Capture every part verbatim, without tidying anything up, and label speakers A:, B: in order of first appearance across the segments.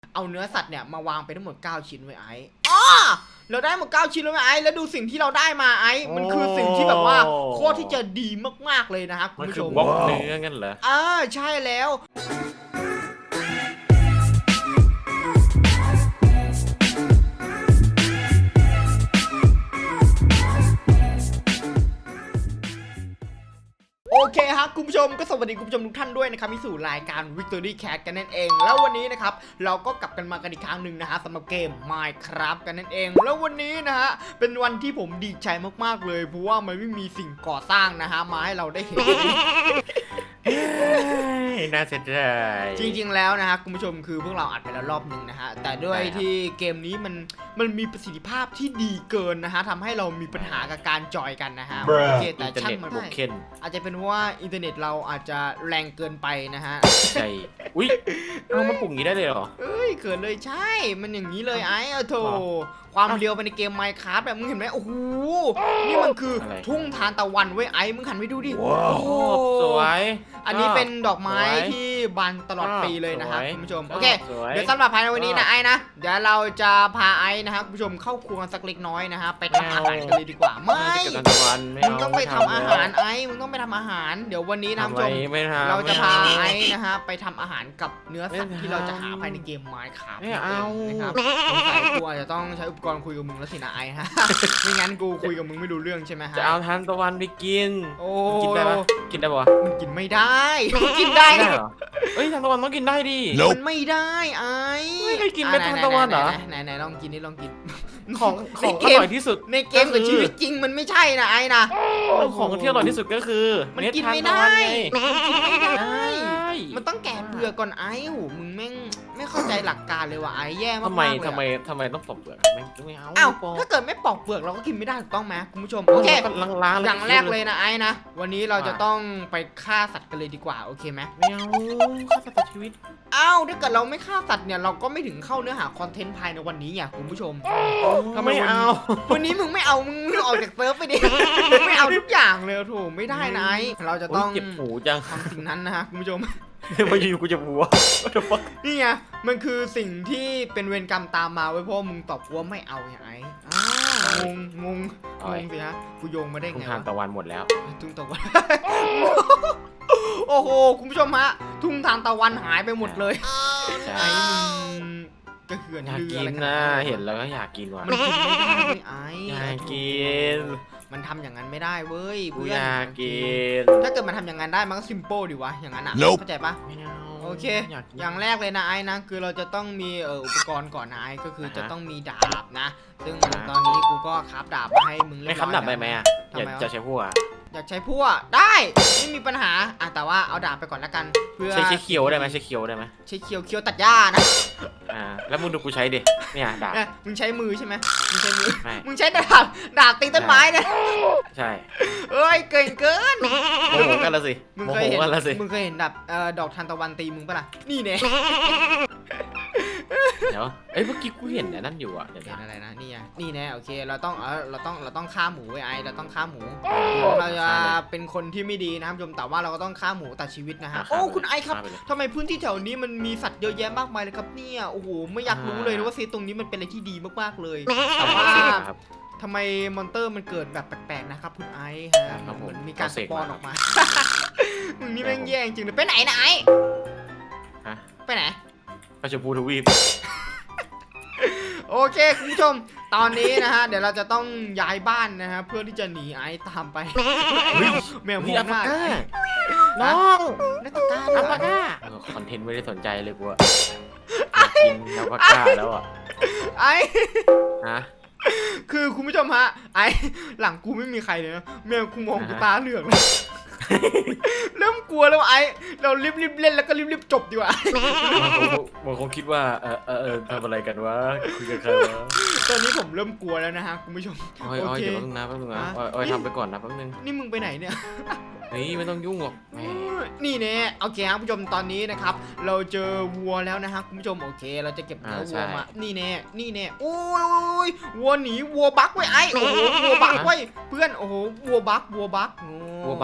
A: เอาเนื้อสัตว์เนี่ยมาวางไปทั้งหมดเก้าชิ้นไว้ไอ้อ๋อเราได้หมดเก้าชิ้นแล้วไว้ไอ้แล้วดูสิ่งที่เราได้มาไอ้มันคือสิ่งที่แบบว่าโคตรที่จะดีมากๆเลยนะครับคุณผู้ชม
B: บล็อกเนื้องั้นเหรอ
A: อ่าใช่แล้วโอเคครับคุณผู้ชมก็สวัสดีคุณผู้ชมทุกท่านด้วยนะครับมีสู่รายการ Victory Cat กันนั่นเองแล้ววันนี้นะครับเราก็กลับกันมากันอีกครั้งหนึ่งนะฮะสำหรับเกม Minecraft กันนั่นเองแล้ววันนี้นะฮะเป็นวันที่ผมดีใจมากๆเลยเพราะว่ามันไม่มีสิ่งก่อสร้างนะฮะมาให้เราได้เห็น
B: น่าเสียดาย
A: จริงๆแล้วนะฮะคุณผู้ชมคือพวกเราอัดไปแล้วรอบหนึ่งนะฮะแต่ด้วยที่เกมนี้มันมันมีประสิทธิภาพที่ดีเกินนะฮะทำให้เรามีปัญหากับการจอยกันนะฮะโอเคแต่ช่างมันได้อาจจะเป็นว่าอินเทอร์เน็ตเราอาจจะแรงเกินไปนะฮะ
B: ใช่อุ้ยเอามาปลุกงี้ได้เลยเหรอ
A: เอ้ยเกินเลยใช่มันอย่างนี้เลยไอ้อะโถความเร็วไปในเกม Minecraft แบบมึงเห็นไหมโอ้โหนี่มันคือทุ่งทานตะวันเว้ยไอ้มึงหันไปดูดิโอ้
B: สวย
A: อันนี้เป็นดอกไม้ที่บานตลอดปีเลยนะครับคุณผู้ชมโอเคเดี๋ยวสำหรับภายในวันนี้นะไอ้นะเดี๋ยวเราจะพาไอ้นะครับคุณผู้ชมเข้าครัวสักเล็กน้อยนะฮะไปทำอาหารกันเลยดีกว่าไม่มึงต้องไปทำอาหารไอ้มึงต้องไปทำอาหารเดี๋ยววันนี้นะคุณผู้ชมเราจะพาไอ้นะฮะไปทำอาหารกับเนื้อสัตว์ที่เราจะหาภายในเกม Minecraft นะครับสงสัยกูอาจจะต้องใช้อุปกรณ์คุยกับมึงแล้วสินะไอ้ฮะไม่งั้นกูคุยกับมึงไม่รู้เรื่องใช่ไหมฮะ
B: จะเอาทานตะวันไปกิน
A: โอ้
B: กินได้ปะกินได้ปะ
A: มันกินไม่ได้กินได้
B: เหรอเอ้ยทานตะวันต้องกินได้ดิ
A: มันไม่ได้ไอ้
B: ไม่เคยกินเม็ดทานตะวันเหรอ
A: ไหนไหนลองกินนี่ลองกิน
B: ของของอร่อยที่สุด
A: ในเกมกับชีวิตจริงมันไม่ใช่นะไอ้นะ
B: ของที่อร่อยที่สุดก็คือ
A: มันกินไม่ได้มันกินไม่ได้มันต้องแกะเปลือกก่อนไอ้หูมึงแม่งไม่เข้าใจหลักการเลยว่ะไอ้แย่มาก
B: ทำไมทำไมทำไมต้องปอกเปลือกไม่ไม่เอา
A: อ้าวถ้าเกิดไม่ปอกเปลือกเราก็กินไม่ได้ถูกต้องไหมคุณผู้ชมโอเคอย่างแรกเลยนะไอ้นะวันนี้เราจะต้องไปฆ่าสัตว์กันเลยดีกว่าโอเคไหม
B: ไม่เอาฆ่าสัตว์ชีวิต
A: อ้าวถ้าเกิดเราไม่ฆ่าสัตว์เนี่ยเราก็ไม่ถึงเข้าเนื้อหาคอนเทนต์ภายในวันนี้ไงคุณผู้ชม
B: ทำไมเอา
A: วันนี้มึงไม่เอามึงออกจากเซิร์ฟไปดิไม่เอาทุกอย่างเลยโถไม่ได้นะไอ้เราจะต้อง
B: เจ็บหูจัง
A: ทำสิ่งนั้นนะฮะคุณผู้ชม
B: มาอยู่กูจะบัว
A: นี่ไงมันคือสิ่งที่เป็นเวรกรรมตามมาไว้เพราะมึงตอบว่าไม่เอาไงไอ้งงงงงงสิฮะกูโยงมาได้ไง
B: ทุ่งทานตะวันหมดแล้ว
A: ทุ่งตะวันโอ้โหคุณผู้ชมฮะทุ่งทานตะวันหายไปหมดเลยไอ้มึงก็เขื่อน
B: อยากกินนะเห็นแล้วก็อยากกินว่ะ
A: มันกินไม่ได้ไอ้
B: อยากกิน
A: มันทำอย่างนั้นไม่ได้เว้ย
B: เพื่อนอยากกิน
A: ถ้าเกิดมันทำอย่างนั้นได้มันก็ซิมเปิลดีวะอย่างนั้นอ่ะเข้าใจปะโอเคอย่างแรกเลยนะไอ้นะคือเราจะต้องมีเอ่ออุปกรณ์ก่อนนะไอ้ก็คือจะต้องมีดาบนะซึ่งตอนนี้กูก็คราฟดาบมาให้มึงเล่น
B: ไม่คราฟดาบได้ไหมอ่ะอยากจะใช้พวก
A: อยากใช้พวกได้ไม่มีปัญหาอ่ะแต่ว่าเอาดาบไปก่อนละกันเพื่อ
B: ใช้ใช้เคียวได้ไหมใช้เคียวได้ไหม
A: ใช้เคียวเคียวตัดหญ้านะ
B: อ่าแล้วมึงดูกูใช้ดิเนี่ยดาบ
A: มึงใช้มือใช่ไหมมึงใช้มือมึงใช้ดาบดาบตีต้นไม้นะ
B: ใช่
A: เอ้ยเก่งเกิน
B: โมโหกันละสิ
A: มึงเคยเห็นมึงเคยเห็นดาบเอ่อดอกทานตะวันตีมึงปะล่ะนี่เนี่ย
B: เดี๋ยวเอ้ยเมื่อกี้กูเห็นนั่นอยู่อ่ะ
A: เห็นอะไรนะนี่ไงนี่แน่โอเคเราต้องเออเราต้องเราต้องฆ่าหมูไว้ไอเราต้องฆ่าหมูเราจะเป็นคนที่ไม่ดีนะครับชมแต่ว่าเราก็ต้องฆ่าหมูตัดชีวิตนะฮะโอ้คุณไอครับทำไมพื้นที่แถวนี้มันมีสัตว์เยอะแยะมากมายเลยครับเนี่ยโอ้โหไม่อยากรู้เลยว่าซีตรงนี้มันเป็นอะไรที่ดีมากๆเลยแต่ว่าทำไมมอนเตอร์มันเกิดแบบแปลกๆนะครับคุณไอฮะเหมือนมีการสปอนออกมามึงนี่แม่งแย่จริงเลยไปไหนนะไอไปไหน
B: ไปชมพูทวีป
A: โอเคคุณผู้ชมตอนนี้นะฮะเดี๋ยวเราจะต้องย้ายบ้านนะฮะเพื่อที่จะหนีไอ้ตามไปแมวมองหน้า
B: น้อง
A: นักตา
B: อัลปาก้าคอนเทนต์ไม่ได้สนใจเลยกูอะกินอัลปาก้าแล้วอะ
A: ไอ้
B: ฮะ
A: คือคุณผู้ชมฮะไอ้หลังกูไม่มีใครเลยนะแมวกูมองกูตาเหลืองเลยเริ่มกลัวแล้วไอ้เรารีบๆเล่นแล้วก็รีบๆจบดีกว่า
B: ผมคงคิดว่าเออเออทำอะไรกันวะคุยกันใครวะ
A: ตอนนี้ผมเริ่มกลัวแล้วนะฮะคุณผู้ชม
B: โอเคเดี๋ยวแป๊บนึงนะแป๊บนึงนะโอ้ยทำไปก่อนนะแป๊บนึง
A: นี่มึงไปไหนเนี่ย
B: นี่ไม่ต้องยุ่งหรอก
A: นี่เนี่ยโอเคครับคุณผู้ชมตอนนี้นะครับเราเจอวัวแล้วนะฮะคุณผู้ชมโอเคเราจะเก็บเนื้อวัวมานี่เนี่ยนี่เนี่ยโอ้ยวัวหนีวัวบักไว้ไอ้โอ้โหวัวบักไว้เพื่อนโอ้โหวัวบักวัวบัก
B: วัวบัก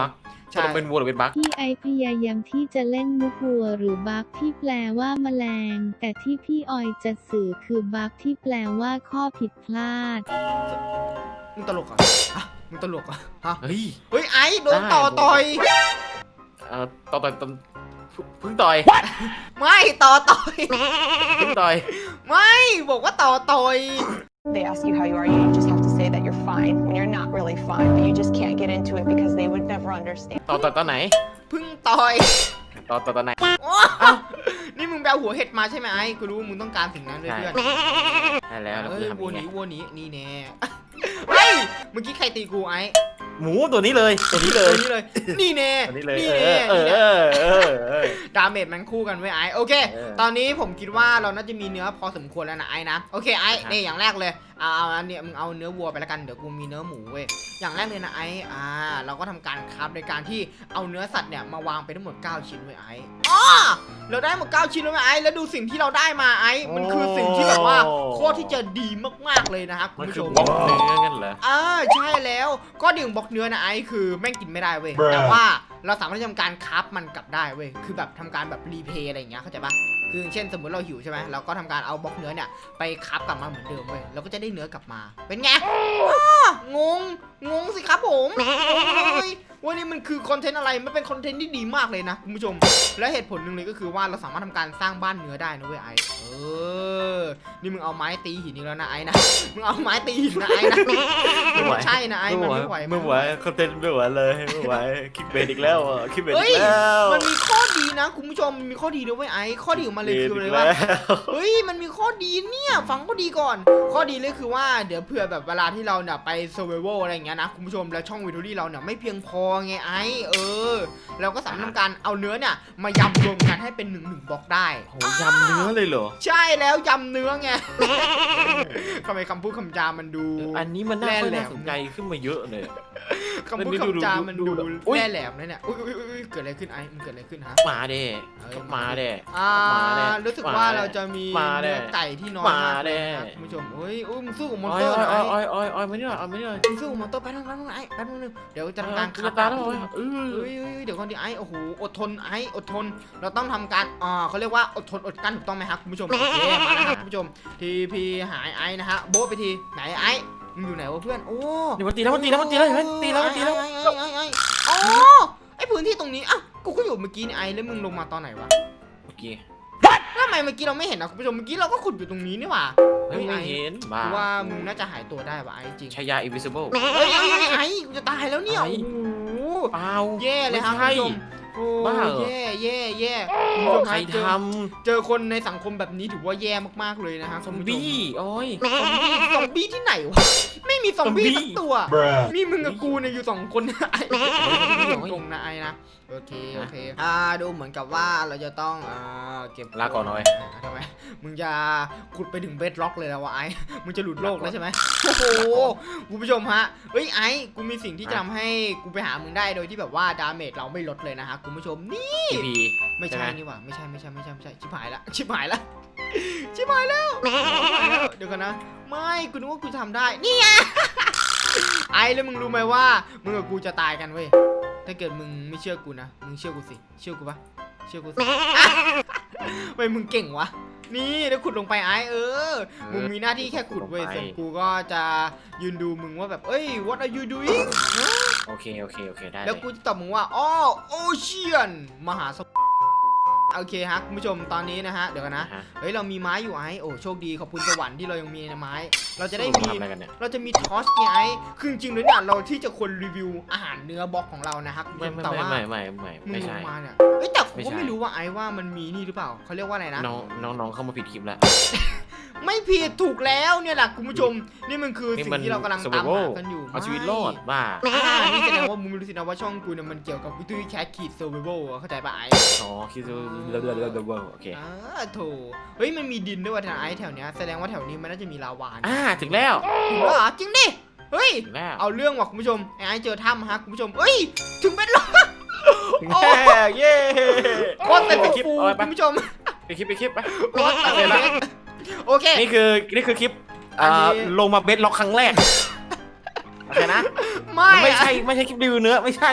A: ใช่
B: ต้องเป็นวัวหรือเป็นบั๊ก
C: พี่ไอพยายามที่จะเล่นมุกวัวหรือบักที่แปลว่าแมลง แต่ที่พี่ออยจะสื่อคือบักที่แปลว่าข้อผิดพลาด
A: มึงตลกเหรอฮะมึงตลกเหรอฮะ
B: เฮ้ย
A: เฮ้ยไอ้โดนต่อต่อย
B: เอ่อต่อต่อยต่อเพึ่งต่อย
A: ไม่ต่อต่อย
B: เพึ่งต่อย
A: ไม่บอกว่าต่อต่อย
D: They ask you how you are, you just have to say that you're fine when you're not really fine, but you just can't get into it because they would never understand.
B: ต่อต่อตอนไหน
A: เพึ่งต่อย
B: ต่อต่อตอนไหน
A: โอ้นี่มึงไปเอาหัวเห็ดมาใช่ไหมไอ้กูรู้มึงต้องการสิ่งนั้นด้วยเพื่อน
B: ได้แล้วเรา
A: เฮ้
B: คื
A: ย
B: อทำ
A: วัว
B: ยัง
A: ห
B: ไง
A: นีวัวหนีนี่แน่เฮ้ยเมื่อกี้ใครตีกูไอ้
B: หมูตัวนี้เลยตัวนี้เลย
A: ตัวนี้เลยนี่แน่
B: ตัวนี้เลย
A: นี่
B: เอ
A: แน่
B: อเอ
A: นี่
B: อ
A: แน่
B: เออเออเออ
A: ดาเมจมันคู่กันไว้ยไอ้โอเค
B: เออ
A: ตอนนี้ผมคิดว่าเราน่าจะมีเนื้อพอสมควรแล้วนะไอ้นะโอเคไอ้
B: ครับ
A: นี่อย่างแรกเลยเอาเอาอันเนี้ยมึงเอาเนื้อวัวไปแล้วกันเดี๋ยวกูมีเนื้อหมูเว้ยอย่างแรกเลยนะไอ้อ่าเราก็ทำการคราฟในการที่เอาเนื้อสัตว์เนี่ยมาวางไปทั้งหมดเก้าชิ้นไว้ยไอ้อ๋อเราได้หมดเก้าชิ้นแล้วไว้ยไอ้แล้วดูสิ่งที่เราได้มาไอ้มันคือสิ่งที่แบบว่าโคตรที่จะดีมากๆเลยนะครับคุ
B: มั
A: ณ
B: น
A: ผู้
B: คื
A: ช
B: อ
A: ม
B: บล็อกเนื้อกันเหรอ
A: อ่าใช่แล้วก็ดิ่งบล็อกเนื้อนะไอ้คือแม่งกินไม่ได้เว้ยแต่ว่าเราสามารถทำการคราฟมันกลับได้เว้ยคือแบบทำการแบบรีเพย์อะไรอย่างเงี้ยเข้าใจปะคืออย่างเช่นสมมติเราหิวใช่ไหมเราก็ทำการเอาบล็อกเนื้อเนี่ยไปคราฟกลับมาเหมือนเดิมเว้ยเราก็จะได้เนื้อกลับมาเป็นไงอ้างงงงสิครับผมงงเลยว่านี่มันคือคอนเทนต์อะไรมันเป็นคอนเทนต์ที่ดีมากเลยนะคุณผู้ชมและเหตุผลหนึ่งเลยก็คือว่าเราสามารถทำการสร้างบ้านเนื้อได้นะเว้ยไอ้เออนี่มึงเอาไม้ตีหินอีกแล้วนะไอ้นะมึงเอาไม้ตีหินนะไอ้นะมันไม่ใช่นะไอ้มันไม่ไหว
B: ไม่ไหวคอนเทนต์ไม่ไหวเลยไม่ไหวคลิปเบสอีกแล้วอ่ะคลิปเบส
A: เฮ้
B: อี
A: ย
B: กแล้ว
A: มันมีข้อดีนะคุณผู้ชมมันมีข้อดีด้วยเวยไอ้ข้อดีของมันเลยคืออะไรวะเฮ้ยมันมีข้อดีเนี่ยฟังข้อดีก่อน ข้อดีเลยคือว่าเดี๋ยวเผื่อแบบเวลาที่เราเนี่ยไปเซอร์ไวโวอะไรอย่างเงี้ยนะคุณผู้ชมแล้วช่องวิดีโอที่เราเนี่ยไม่เพียงพอไงไอ้เออเราก็สามารถทำการเอาเนื้อเนี่ยมายำรวมกันให้เป็นหนึ่งหนึ่งบล็อกได้
B: โหยำเนื้อเลยเหรอ
A: ใช่แล้วยำเนื้อไง ทำไมคำพูดคำจามันดู
B: อันนี้มันน่า
A: แร่
B: ค่อย
A: แหล
B: น่าม สนใจขึ้นมาเยอะเลย
A: คำพูดคำจามันดู
B: ดูดูอุ๊ย
A: แร่แหลมนะเนี่ยอุ้ยอุ้ยอุ้ยเกิดอะไรขึ้นไอ้มันเกิดอะไรขึ้นฮะ
B: มาเด้
A: เอ้ย
B: มาเด้
A: อ่า
B: มาแน่
A: รู้สึกว่า
B: มาแน่
A: เราจะมี
B: มาแน่
A: เนื้อไก่ที่น้อย
B: มาม
A: ากเลย
B: แน่
A: นะครับคุณผู้ชมเฮ้ยอุ้ยมึงสู้กับมอน
B: อ้อ
A: เต
B: ย
A: อร์หน่
B: อ้
A: อ
B: อย ยอ้อยอ้อยอ้อยมานี่หน่อยเอามานี่หน่อย
A: มึงสู้กับมอนเตอร์ไปทางนั้นไอ้แป๊บนึงเดี๋ยวจะทำการ
B: ก
A: ขั
B: ระตาแล้ว
A: เฮ้ย
B: เออ
A: เฮ้ยเฮ้ยเดี๋ยวก่อนดิไอ้โอ้โหอดทนไอ้อดทน เราต้องทำการอ่าเขาเรียกว่าอดทนอดกลั้นถูกต้องไหมครับคุณผู้ชมโอเคมาแล้วครับคุณผู้ชมทีพีหายไอ้นะฮะโบ๊ะไปทีไหนไอ้มึงอยู่ไหนวะเพื่อนโอ้
B: นี่มันตีแล้วมันตีแล้วมันตีแล้วเห็นไหมตีแล้วมันตีแล้ว
A: ไอ้ไอ้ไอ้ไอ้อ๋อไอ้พื้นที่ตรงนี้อ่ะกูก็อยู่เมื่อกี้นี่ไอ้แล้วมึงลงมาตอนไหนวะ
B: โอเค
A: ทำไมเมื่อกี้เราไม่เห็นนะคุณผู้ชมเมื่อกี้เราก็ขุดอยู่ตรงนี้นี่หว่า
B: เฮ้ยไม่เห็นบ้า
A: กูว่ามึงน่าจะหายตัวได้ว่ะไอ้จริง
B: ชายา invisible
A: เฮ้ยไอ้ไอ้กูจะตายแล้วเนี่ย
B: ไอ้
A: โอ้โห
B: เปล่า
A: แย่เลยครับ
B: ไม่
A: คุณ
B: ใช่
A: ผู้ชมโอ้
B: บ้าเหรอ
A: แย่แย่แย่คุณผู้ชม
B: ใคร
A: ฮะเจอ
B: ท
A: เจอคนในสังคมแบบนี้ถือว่าแย่มากๆเลยนะฮะ
B: ำซ
A: คุ
B: อ
A: ณ
B: ม
A: ผู้ช
B: บี้โอ้ย
A: ซอมบี้ซอมบี้ที่ไหนวะไม่มีซอมบี้
B: ซอมบี้
A: สักตัว มีมึงกับกูเนี่ยอยู่สองคนไอ้ตรงนะไอ้นะโอเคโอเคอ่าดูเหมือนกับว่าเราจะต้องอ่าเก็บ
B: ลาก่อนหน่อย
A: ทำไมมึงจะขุดไปถึงเบสล็อกเลยแล้ววะไอ้มึงจะหลุดโลกแล้วใช่ไหมโอ้โหคุณผู้ชมฮะเฮ้ยไอ้กูมีสิ่งที่จะทำให้กูไปหามึงได้โดยที่แบบว่าดาเมจเราไม่ลดเลยนะฮะคุณผู้ชมนี่
B: ทีพี
A: ไม่
B: ใช่
A: ใช่
B: ไหม
A: นี่หว่าไม่ใช่ไม่ใช่ไม่ใช่ไม่ใช่ชิบหายละชิบหายละชิบหายแล้วเดี๋ยวกันนะไม่กูนึกว่ากูทำได้นี่ไงไอ้แล้วมึงรู้ไหมว่ามึงกับกูจะตายกันเว้ยถ้าเกิดมึงไม่เชื่อกูนะมึงเชื่อกูสิเชื่อกูปะเชื่อกูสิเว้ยมึงเก่งวะนี่แล้วขุดลงไปไอ้เออมึงมีหน้าที่แค่ขุดเว้ยส่วนกูก็จะยืนดูมึงว่าแบบเอ้ย what are you doing
B: โอเคโอเคโอเคได้
A: แล้วกูจะตอบมึงว่าอ้อโอเชียนมหาสมุทรโอเคฮะคุณผู้ชมตอนนี้นะฮะเดี๋ยวกันนะ
B: ฮะ
A: เฮ้ยเรามีไม้อยู่ไอ้โอ้โชคดีขอบคุณสวรรค์ที่เรายังมีไม้ เราจะได้มี
B: ทำอะไรกันเนี่ย
A: เราจะมีทอสไงไอ้คือจริงๆเลยเนี่ยเราที่จะควรรีวิวอาหารเนื้อบล็อกของเรานะครับคุณ
B: ไม่
A: ผู้ชม
B: ไม่
A: แต่
B: ไม่
A: ว่า
B: ไม่ไม่ไม่
A: มึง
B: ไม่
A: ล
B: ใช่
A: งมาเนี่ยเอ้ยแต่ผม
B: ไม่
A: ก็
B: ใช่
A: ไม่รู้ว่าไอ้ว่ามันมีนี่หรือเปล่าเขาเรียกว่าอะไรนะ
B: น้องน้องน้องเข้ามาผิดคลิปแล้ว
A: ไม่ผิดถูกแล้วเนี่ยแหละคุณผู้ชมนี่มันคือสิ่งที่เรากำลังตามหากันอยู่
B: เอาชีวิตรอดบ้า
A: อ่านี่แสดงว่ามึงไม่รู้สินะว่าช่องกูเนี่ยมันเกี่ยวกับวิธีแคสขีดเซอร์ไวโเข้าใจปะไอ้
B: อ๋อคิดว่าเรื่อยๆเรื่อยๆโอเค
A: อ่าโถเฮ้ยมันมีดินด้วยว่ะทางไอ้แถวเนี้ยแสดงว่าแถวนี้มันน่าจะมีลาวา
B: อ่าถึงแล้ว
A: ถึงแล้วเหรอจริงดิเฮ้ย
B: ถึงแล้ว
A: เอาเรื่องว่ะคุณผู้ชมไอ้ไอ้เจอถ้ำฮะคุณผู้ชมเฮ้ยถึงเป็นล็อก
B: ถึงแล้วเย้
A: โคตรเต็ม
B: ไปคลิป
A: ฟู
B: เอาไป
A: คุณผู้ชม
B: ไปคลิปไปคลิปไป
A: โคตรเต็มเล็กโอเค
B: นี่คือนี่คือคลิป
A: อันนี้
B: อ่าลงมาเบสล็อกครั้งแรกโอเคนะ
A: ไม่
B: ไม่ใช่ไม่ใช่คลิปรีวิวเนื้อไม่ใช่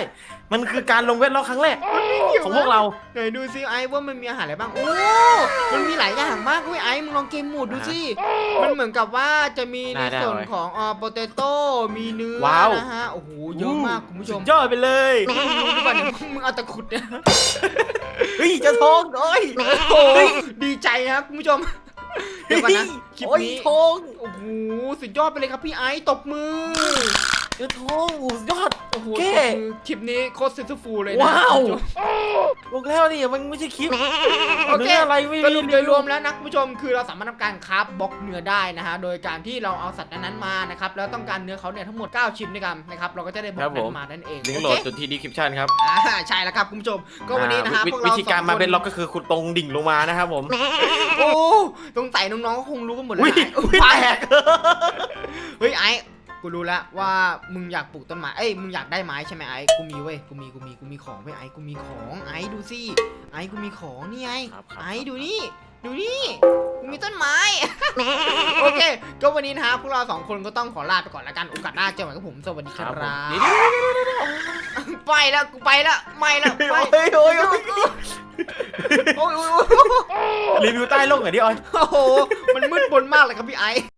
B: มันคือการลงเวทล็อกครั้งแรกของพวกเรา
A: ไหนดูซิไอ้ว่ามันมีอาหารอะไรบ้างโอ้มันมีหลายอย่างมากเว้ยไอ้มึงลองเกมโหมดดูสิมันเหมือนกับว่าจะมีในส่วนของอ่าโปเตโต้มีเนื้อนะฮะโอ้โหเยอะมากคุณผู้ชม
B: ยอดไปเลย
A: รู้ดีกว่าเนี่ยมึงเอาตะขุดเนี่ย
B: เฮ้ยจะทองโอ้ย
A: โอ้ยดีใจครับคุณผู้ชมเดี๋ยวก่อนนะคลิปนี้
B: ทอง
A: โอ้โหสุดยอดไปเลยครับพี่ไอ้ตบมือ
B: จะทองยอด
A: โอ้โห
B: แค่
A: ตบมือคลิปนี้โคตรซิสฟูลเลยนะ
B: ว้าว
A: คุณผู้ชม
B: บอกแล้วนี่มันไม่ใช่คลิป
A: โอเค
B: เนื้ออะไรไม่
A: ส
B: มี
A: รุปโดยรวมแล้วนะคุณผู้ชมคือเราสามารถทำการคราฟบล็อกเนื้อได้นะฮะโดยการที่เราเอาสัตว์นั้นๆมานะครับแล้วต้องการเนื้อเขาเนี่ยทั้งหมดเก้าชิ้นด้วยกันนะครับเราก็จะได้บล็อกนั้นมานั่นเอง
B: ลิงก์โหล
A: โอ
B: ด
A: เค
B: จุดที่ดีคริปชั่นครับ
A: อ่าใช่แล้วครับคุณผู้ชมก็วันนี้นะฮะ
B: อ่า
A: พวก
B: วิ
A: เรา
B: ธีการ
A: สอง
B: มา
A: ค
B: เป็นล็อกก็คือคุณตรงดิ่งลงมานะครับผม
A: โอ้สงสัยน้องๆก็คงรู้กันหมดแล้ว
B: อุ้ย
A: นะ
B: อุ้ย
A: ไป
B: แตก
A: เฮ้ยไอ้กูรู้แล้วว่ามึงอยากปลูกต้นไม้เอ้ยมึงอยากได้ไม้ใช่ไหมไอ้กูมีเว้ยกูมีกูมีกูมีของเว้ยไอ้กูมีของไอ้ดูสิไอ้กูมีของนี่ไง
B: ครับครับ
A: ไอ้ดูนี่ดูนี่กูมีต้นไม้ โอเคก็วันนี้นะฮะพวกเราสองคนก็ต้องขอลาไปก่อนละกันโอกาสหน้าเจอกันกับผมสวัสดีค
B: ค
A: รั
B: รั
A: บบ
B: ผมเดี๋ยว
A: ไปแล้วกูไปแล้วไม่แล้วไป
B: โอ้ยโอ้ยโอ้ย
A: โอ้ยโอ้ยโอ้ย
B: รีวิวใต้โลกหน่อยดิออย
A: โอ้โหมันมืดมนมากเลยครับพี่ไอ้